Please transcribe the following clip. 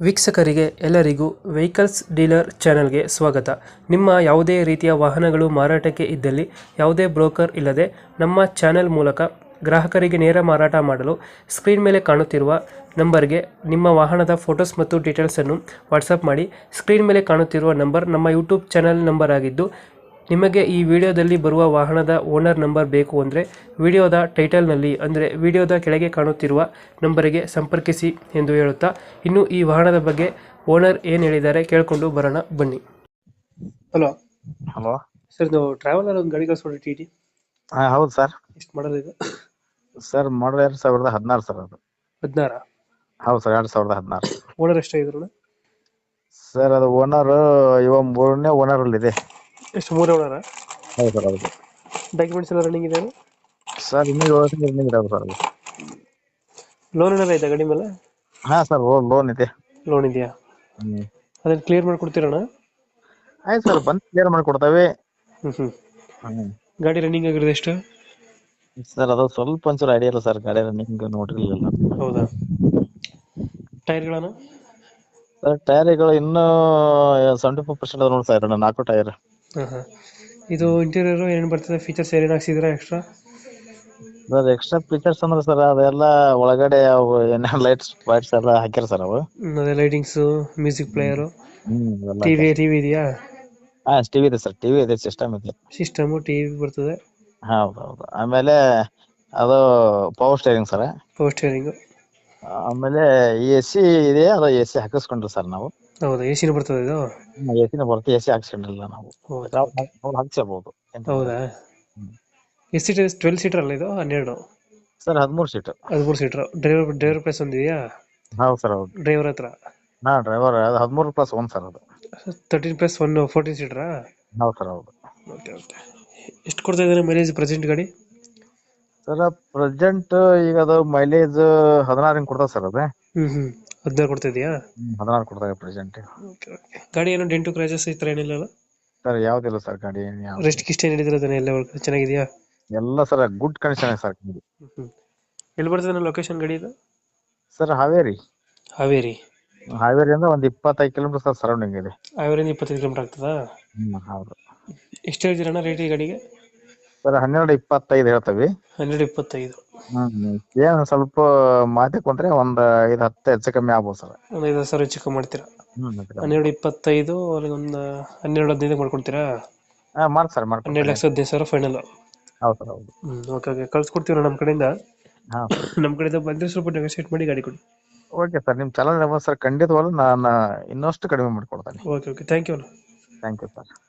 ವೀಕ್ಷಕರಿಗೆ ಎಲ್ಲರಿಗೂ vehicles dealer ಚಾನೆಲ್ಗೆ ಸ್ವಾಗತ. ನಿಮ್ಮ ಯಾವುದೇ ರೀತಿಯ ವಾಹನಗಳು ಮಾರಾಟಕ್ಕೆ ಇದ್ದಲ್ಲಿ ಯಾವುದೇ ಬ್ರೋಕರ್ ಇಲ್ಲದೆ ನಮ್ಮ ಚಾನೆಲ್ ಮೂಲಕ ಗ್ರಾಹಕರಿಗೆ ನೇರ ಮಾರಾಟ ಮಾಡಲು ಸ್ಕ್ರೀನ್ ಮೇಲೆ ಕಾಣುತ್ತಿರುವ ನಂಬರ್ಗೆ ನಿಮ್ಮ ವಾಹನದ ಫೋಟೋಸ್ ಮತ್ತು ಡೀಟೇಲ್ಸನ್ನು ವಾಟ್ಸಪ್ ಮಾಡಿ. ಸ್ಕ್ರೀನ್ ಮೇಲೆ ಕಾಣುತ್ತಿರುವ ನಂಬರ್ ನಮ್ಮ ಯೂಟ್ಯೂಬ್ ಚಾನೆಲ್ ನಂಬರ್ ಆಗಿದ್ದು, ನಿಮಗೆ ಈ ವಿಡಿಯೋದಲ್ಲಿ ಬರುವ ವಾಹನದ ಓನರ್ ನಂಬರ್ ಬೇಕು ಅಂದರೆ ವಿಡಿಯೋದ ಟೈಟಲ್ನಲ್ಲಿ ಅಂದರೆ ವಿಡಿಯೋದ ಕೆಳಗೆ ಕಾಣುತ್ತಿರುವ ನಂಬರಿಗೆ ಸಂಪರ್ಕಿಸಿ ಎಂದು ಹೇಳುತ್ತಾ, ಇನ್ನು ಈ ವಾಹನದ ಬಗ್ಗೆ ಓನರ್ ಏನು ಹೇಳಿದ್ದಾರೆ ಕೇಳಿಕೊಂಡು ಬರೋಣ ಬನ್ನಿ. ಹಲೋ ಹಲೋ ಸರ್, ನಾವು ಟ್ರಾವೆಲರ್ ಒಂದು ಗಾಡಿ ಕಳಿಸ್ಕೊಡಿ ಟಿ ಟಿ. ಹಾ ಹೌದು ಸರ್. ಎಷ್ಟು ಮಾಡೋದು ಇದು? ಸರ್ ಮಾಡಲ್ 2016 ಸರ್ ಅದು. 16. ಹೌದು ಸರ್ 2016. ಓನರ್ ಎಷ್ಟಾಗಿದ್ರು? ಸರ್ ಅದು ಓನರ್ ಇವಾಗ 3ನೇ ಓನರ್ ಅಲ್ಲಿ ಇದೆ. ಎಷ್ಟು, 3 ಓನರ? ಹೌದು ಸರ್ ಹೌದು. ಡಾಕ್ಯುಮೆಂಟ್ಸ್ ಎಲ್ಲ ರನ್ನಿಂಗ್ ಇದೆ? ಸರ್ ಇನ್ನೂ 7 ತಿಂಗಳು ರನ್ನಿಂಗ್ ಇದಾವೆ ಸರ್ ಅದು. ಲೋನ್ ಏನಾರ ಆಯ್ತಾ ಗಾಡಿ ಮೇಲೆ? ಹಾ ಸರ್ ಲೋನ್ ಇದೆ. ಲೋನ್ ಇದೆಯಾ? ಅದನ್ನ ಕ್ಲಿಯರ್ ಮಾಡ್ಕೊಡ್ತೀರಣ್ಣ? ಆಯ್ತು ಸರ್, ಬಂದು ಕ್ಲಿಯರ್ ಮಾಡಿಕೊಡ್ತೇವೆ. ಗಾಡಿ ರನ್ನಿಂಗ್ ಆಗಿರೋದು ಎಷ್ಟು? ಸರ್ ಅದು ಸ್ವಲ್ಪ ಒಂಚೂರು ಐಡಿಯಾ ಇಲ್ಲ ಸರ್, ಗಾಡಿ ರನ್ನಿಂಗ್ ನೋಡಿರ್ಲಿಲ್ಲ. ಹೌದಾ? ಟೈರ್ಗಳನ್ನು? ಸರ್ ಟೈರ್ಗಳು ಇನ್ನೂ 75% ನೋಡಿ ಸರ್, 4 ಟೈರ್. ಇದು ಇಂಟೀರಿಯರ್ ಏನೇನು ಬರ್ತದೆ, ಫೀಚರ್ಸ್ ಏನೇನು ಹಾಕ್ಸಿದ್ರೆ ಎಕ್ಸ್ಟ್ರಾ? ಸರ್ ಎಕ್ಸ್ಟ್ರಾ ಫೀಚರ್ಸ್ ಅಂದ್ರೆ ಸರ್ ಅದೆಲ್ಲ ಒಳಗಡೆ ಅವು ಏನೇನು ಲೈಟ್ಸ್ ಎಲ್ಲ ಹಾಕ್ಯಾರ ಸರ್ ಅವು. ಅದೇ ಲೈಟಿಂಗ್ಸ್, ಮ್ಯೂಸಿಕ್ ಪ್ಲೇಯರು, ಇವೆಲ್ಲ ಟಿವಿ ಹಾಕ್ಯಾರ. ಟಿವಿ ಇದೆಯಾ? ಹಾ ಟಿವಿ ಇದೆ ಸರ್, ಟಿವಿ ಇದೆ, ಸಿಸ್ಟಮ್ ಇದೆ. ಸಿಸ್ಟಮು ಟಿವಿ ಬರ್ತದೆ. ಹೌದೌದು. ಆಮೇಲೆ ಅದು power steering sir. Power steering. ಆಮೇಲೆ AC ಇದೆ, ಅದು AC ಹಾಕಿಸ್ಕೊಂಡ್ರಿ ಸರ್ ನಾವು. ಹೌದಾ? ಎ ಸಿನೂ ಬರ್ತದೆ ಇದು? AC ನ ಬರುತ್ತೆ, AC ಹಾಕಿಸ್ಕೊಂಡಿಲ್ಲ ನಾವು. ಹೌದಾ? ನಾವು ಹಾಕ್ಸಬಹುದು. ಹೌದಾ? ಎಷ್ಟು ಸೀಟರ್? 12 ಸೀಟರ್ ಅಲ್ಲ ಇದು? 12? Sir 13 seat. 13 seater. Driver place ಒಂದಿದೆಯಾ? ಹೌದು ಸರ್ ಹೌದು. ಡ್ರೈವರ್ ಹತ್ರ? ಹಾ ಡ್ರೈವರ್ 13+1 ಸರ್ ಅದು. 13+1 14 ಸೀಟರಾ? ಹೌದು ಸರ್ ಹೌದು. Okay okay. ಎಷ್ಟು ಕೊಡ್ತಾ ಇದ್ದಾರೆ ಮೈಲೇಜ್ ಪ್ರೆಸೆಂಟ್ ಗಾಡಿ? ಸರ್ ಪ್ರೆಸೆಂಟ್ ಈಗ ಅದು ಮೈಲೇಜ್ 16 ಹಿಂಗ್ ಕೊಡ್ತಾವ ಸರ್ ಅದು. 16 ಕೊಡ್ತಾ ಇದೆಯಾ? 16 ಕೊಡ್ತಾರೆ ಪ್ರೆಸೆಂಟ್. Okay okay. ಗಾಡಿ ಏನೋ ಡೆಂಟು ಕ್ರಾಚಸ್ ಈ ಥರ ಏನಿಲ್ಲ? ಸರ್ ಯಾವ್ದಿಲ್ಲ ಸರ್ ಗಾಡಿ. ರೆಸ್ಟ್ ಗಿಸ್ಟ್ ಏನು ಹಿಡಿದಿರೋದು ಎಲ್ಲ ಚೆನ್ನಾಗಿದೆಯಾ? ಎಲ್ಲ ಸರ್ ಗುಡ್ ಕಂಡೀಷನ್ ಇದೆ ಸರ್ ಗಾಡಿ. ಎಲ್ಲಿ ಬರ್ತದೆ ಲೊಕೇಶನ್ ಗಾಡಿ ಇದು? ಸರ್ ಹಾವೇರಿ. ಹಾವೇರಿ ಹಾವೇರಿಯಿಂದ ಒಂದು 25 ಕಿಲೋಮೀಟರ್ ಸರ್ ಸರೌಂಡಿಂಗ್ ಇದೆ. ಹಾವೇರಿಯಿಂದ 25 ಕಿಲೋಮೀಟರ್ ಆಗ್ತದಾ? ಹೌದು. ಎಷ್ಟು ಹೇಳ್ತೀರಣ್ಣ ರೇಟ್ ಈ ಗಾಡಿಗೆ? ಸರ್ 12-25 ಹೇಳ್ತೇವೆ. 12-25. ಏನ್ ಸ್ವಲ್ಪ ಮಾತಿ ಕೊಂಡ್ರೆ ಒಂದ್ 5-10 ಹೆಚ್ಚು ಕಮ್ಮಿ ಆಗ್ಬೋದು ಸರ್. ಒಂದು 5,000 ಹೆಚ್ಚು ಕಮ್ಮಿ ಮಾಡ್ತೀರಾ? 12-25 ಅವ್ರಿಗೆ ಒಂದು 12-15 ಮಾಡ್ಕೊಡ್ತೀರಾ? ಮಾಡಿ ಸರ್, ಮಾಡ್ಕೊಡ್ತೀನಿ. 12,15,000 ಫೈನಲ್? ಹೌದು ಸರ್ ಹೌದು. ಓಕೆ ಓಕೆ, ಕಳ್ಸ್ಕೊಡ್ತೀವಿ ನಮ್ಮ ಕಡೆಯಿಂದ. ಹಾ ನಮ್ಮ ಕಡೆಯಿಂದ ಬಂದರೆ ಸ್ವಲ್ಪ ನೆಗೋಸಿಯೇಟ್ ಮಾಡಿ ಗಾಡಿ ಕೊಡಿ. ಓಕೆ ಸರ್, ನಿಮ್ ಚಾನಲ್ ಸರ್ ಖಂಡಿತವಾಗ್ಲೂ ನಾನು ಇನ್ನಷ್ಟು ಕಡಿಮೆ ಮಾಡ್ಕೊಡ್ತೇನೆ. Okay okay, thank you. Thank you sir.